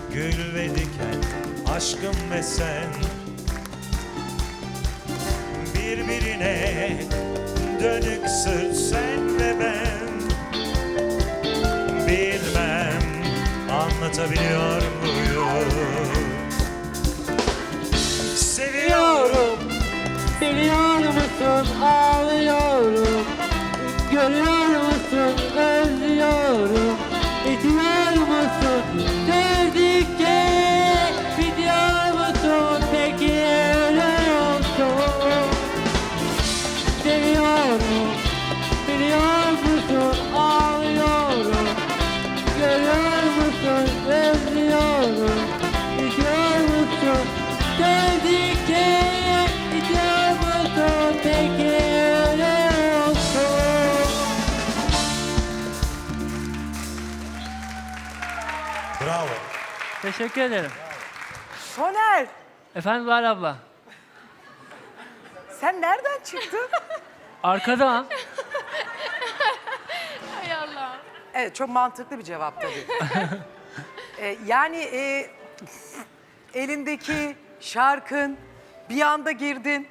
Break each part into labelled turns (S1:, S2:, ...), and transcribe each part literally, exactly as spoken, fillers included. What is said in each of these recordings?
S1: gül ve diken, aşkım ve sen. Birbirine dönük sırt sen ve ben. Bilmem anlatabiliyor muyum? Seviyorum.
S2: Biliyor musun ağlıyorum, görüyor musun özlüyorum, biliyor musun sevdikçe, biliyor musun peki öyle olsun. Seviyorum, biliyor musun ağlıyorum, görüyor musun özlüyorum, biliyor musun sevdikçe, biliyor musun peki öyle olsun.
S1: Bravo.
S3: Teşekkür ederim.
S4: Soner,
S3: Efendim Zuhal abla.
S4: sen nereden çıktın?
S3: Arkadan.
S5: Hay Allah.
S4: Evet, çok mantıklı bir cevap tabii. Ee, yani e, elindeki şarkın, bir anda girdin.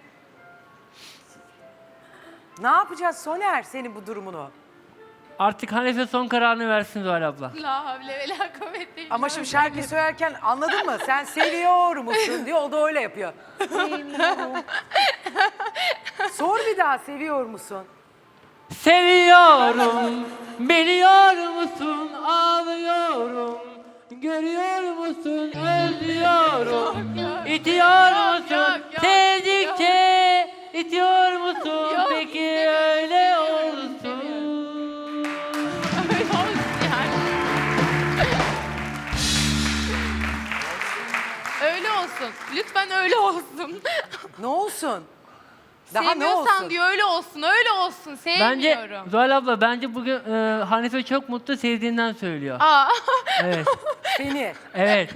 S4: Ne yapacağız Soner senin bu durumunu?
S3: Artık Hanife son kararını versin Zuhal abla.
S5: La havle ve la kuvvete illa
S4: Ama şimdi
S5: billah.
S4: şarkıyı söylerken anladın mı? Sen seviyor musun diyor, o da öyle yapıyor. Seviyorum. Sor bir daha, seviyor musun?
S3: Seviyorum, biliyor musun ağlıyorum, görüyor musun özlüyorum, itiyor
S5: Yok,
S3: musun
S5: yok, yok,
S3: sevdikçe, itiyor musun
S5: Yok,
S3: peki
S5: istemiyorum,
S3: öyle
S5: istemiyorum,
S3: olsun.
S5: Öyle olsun yani. Öyle olsun. Lütfen öyle olsun.
S4: Ne olsun? Daha ne
S5: Sevmiyorsan
S4: olsun?
S5: diyor öyle olsun, öyle olsun.
S3: Bence
S5: Sevmiyorum.
S3: Zuhal abla bence bugün e, Hanife çok mutlu sevdiğinden söylüyor.
S5: Aa.
S3: Evet,
S4: Seni.
S3: evet.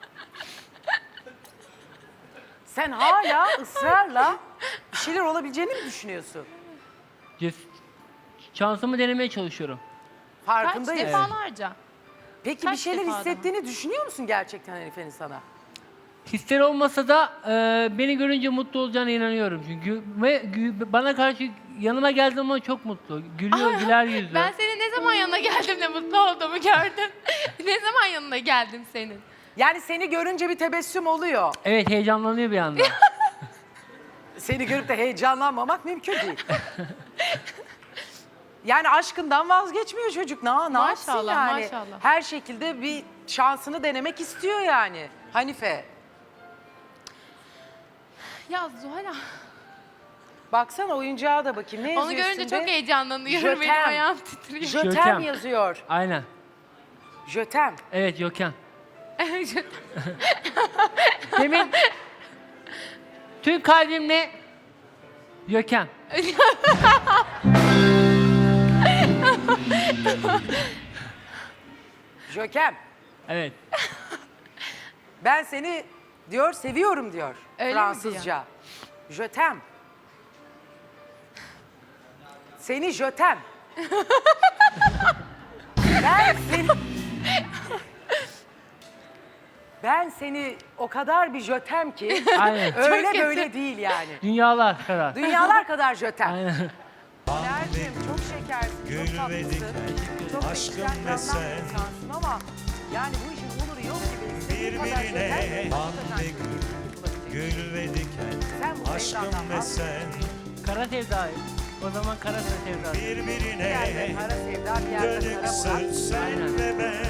S4: Sen hala ısrarla bir şeyler olabileceğini mi düşünüyorsun?
S3: Ces- Şansımı denemeye çalışıyorum.
S5: Kaç
S4: Farkındayız.
S5: defalarca.
S4: Peki
S5: Kaç
S4: bir şeyler
S5: defa
S4: hissettiğini düşünüyor musun gerçekten Hanife'nin sana?
S3: Hisler olmasa da e, beni görünce mutlu olacağına inanıyorum çünkü ve gü- bana karşı yanıma geldiği zaman çok mutlu. Gülüyor, güler yüzlü.
S5: Ben senin ne zaman yanına geldim de mutlu olduğumu gördüm. Ne zaman yanına geldim senin?
S4: Yani seni görünce bir tebessüm oluyor.
S3: Evet, heyecanlanıyor bir anda.
S4: Seni görüp de heyecanlanmamak mümkün değil. Yani aşkından vazgeçmiyor çocuk. Ne, ne yapsın
S5: Maşallah,
S4: yani?
S5: maşallah.
S4: Her şekilde bir şansını denemek istiyor yani. Hanife.
S5: Ya Zuhal
S4: Baksana oyuncağa da bakayım. Ne yazıyor
S5: onu görünce
S4: üstünde?
S5: çok heyecanlanıyorum. Benim
S4: Jötem.
S5: ayağım titriyor.
S4: Jötem
S3: Jötem.
S4: yazıyor.
S3: Aynen.
S4: Jötem.
S3: Evet, Gökhan. Demin tüm kalbimle Gökhan.
S4: Jökem.
S3: Evet.
S4: Ben seni diyor seviyorum diyor
S5: Öyle mi
S4: Fransızca. Jötem. Seni jötem. Ben seni... Ben seni o kadar bir jötem ki
S3: Aynen.
S4: öyle
S5: Çok kötü.
S4: böyle değil yani.
S3: Dünyalar kadar.
S4: Dünyalar kadar jötem.
S3: Aynen.
S4: Soner'cim çok şekersin,
S1: Gül
S4: çok
S1: ve
S4: tatlısın.
S1: diken,
S4: Çok da
S1: aşkım
S4: içten
S1: ve
S4: yandan
S1: sen.
S4: bir insansın ama yani bu işin oluru yok gibi. İstediğin kadar jötem,
S1: Birbirine
S4: hakikaten
S1: bal ve
S4: bulabilecek.
S1: gül ve diken,
S4: Sen bu
S1: aşkım
S4: sevdandan
S1: ve
S4: vazgeç.
S1: sen.
S3: Kara sevdayı. O zaman kara sevdayı.
S4: Bir yerde
S1: Birbirine
S4: kara sevda, bir yerde
S1: dönük
S4: kara
S1: sırt
S4: Murat.
S1: sen ve ben.